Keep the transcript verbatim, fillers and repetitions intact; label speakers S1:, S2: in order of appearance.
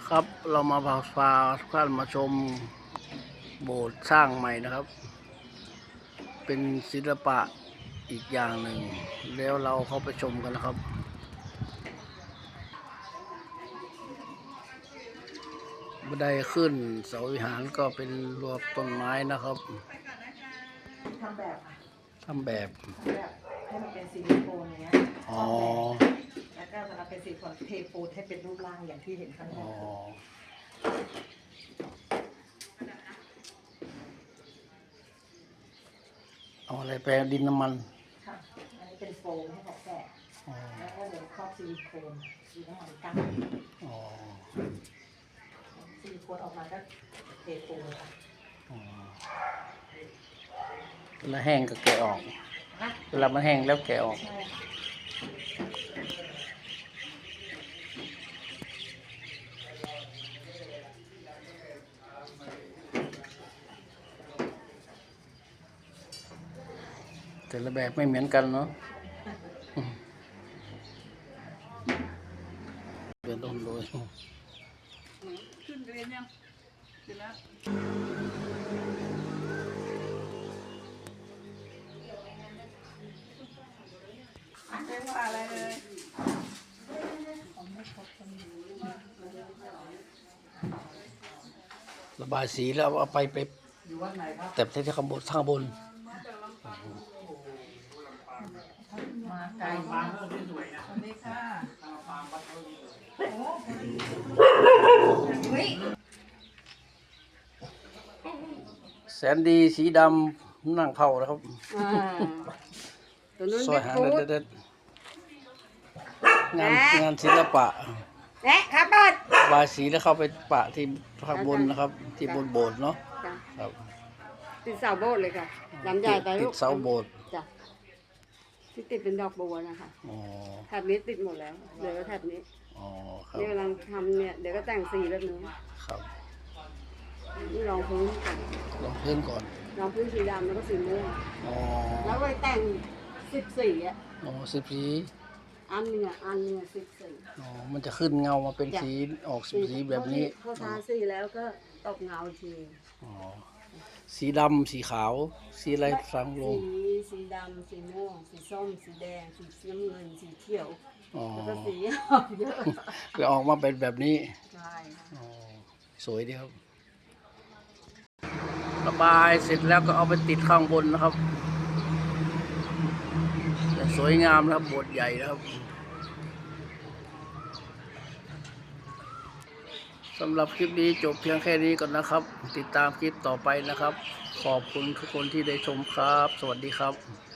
S1: ครับเรามาพาพาทุกท่านมาชมโบสถ์สร้างใหม่นะครับเป็นศิลปะอีกอย่างหนึ่งแล้วเราเข้าไปชมกันนะครับบันไดขึ้นเสาวิหารก็เป็นรวบต้นไม้นะครับ
S2: ทำแบบ
S1: ทำแบบ
S2: ทำแบบให้มันเป็นซิลิโคนเนี้ย
S1: อ๋อ
S2: แล้วก็เวลาเป็นซิลิโคนเทปูนให้เป็นรูปร่างอย่างที่เห็นข้างหน้า
S1: เอาอะไรแปลดินน้ำมัน
S2: ค่ะอันนี้เป็นโฟมให้เขาแกะแล้วก็เดี๋ยวครอบซิลิโคนซิน้ำมันกั้นซิลิโคนออกมาก็เทปูนค่ะ
S1: แล้วแห้งก็แกะออกเวลามันแห้งแล้วแกะออกแต่ละแบบไม่เหมือนกันเนาะเป็นต้นโดยขึ้นเรียนยังขึ้นแล้ว
S2: ไม่ว่าอะไรเลย
S1: ระบายสีแล้วเอาไปไปแต่ที่ข้างบนข้างบน
S2: มาไกลมาสวัสดีค่ะ
S1: แสนดีสีดำนั่งเผานะครับซอยหาเด็ดๆงานงานศิลปะ
S2: และครับบอส
S1: บายสีแล้วเข้าไปปะที่ข้างบนนะครับที่บนโบสถ์เนาะครับ
S3: ติดเสาโบสถ์เลยค่ะลำใหญ่ไปลูก
S1: ติดเสาโบสถ์
S3: จ้ะที่ติดเป็นดอกบัวนะคะ
S1: อ๋อ
S3: แถบนี้ติดหมดแล้วเดี๋ยวก็แถบนี้
S1: อ๋อครับ
S3: นี่กำลังทำเนี่ยเดี๋ยวก็แต่งสีแบบนี้
S1: ครับ
S3: นี่รองพื้นก่อน
S1: รองพื้นก่อน
S3: รองพื้นสีดำแล้วก็สีม่วง
S1: อ๋อ
S3: แล้วไปแต่งสิบสีอ่ะ
S1: อ๋อสิบสี
S3: อันเนี้ยอันเนี้ยสิบสี
S1: อ๋อมันจะขึ้นเงามาเป็นสีออกสีแบบนี้
S3: พอทาสีแล้วก็ตกเงาที
S1: อ๋อสีดำสีขาวสีอะไรฟังลง
S3: สีสีดำสีม่วงสีส้มสีแดงสีน้ำเงินสีเขียวแล้วก็สีเยอะ
S1: จะออกมาเป็นแบบนี้
S3: ใช่
S1: อ๋อสวยดีครับระบายเสร็จแล้วก็เอาไปติดข้างบนนะครับสวยงามนะครับโบสถ์ใหญ่นะครับสำหรับคลิปนี้จบเพียงแค่นี้ก่อนนะครับติดตามคลิปต่อไปนะครับขอบคุณทุกคนที่ได้ชมครับสวัสดีครับ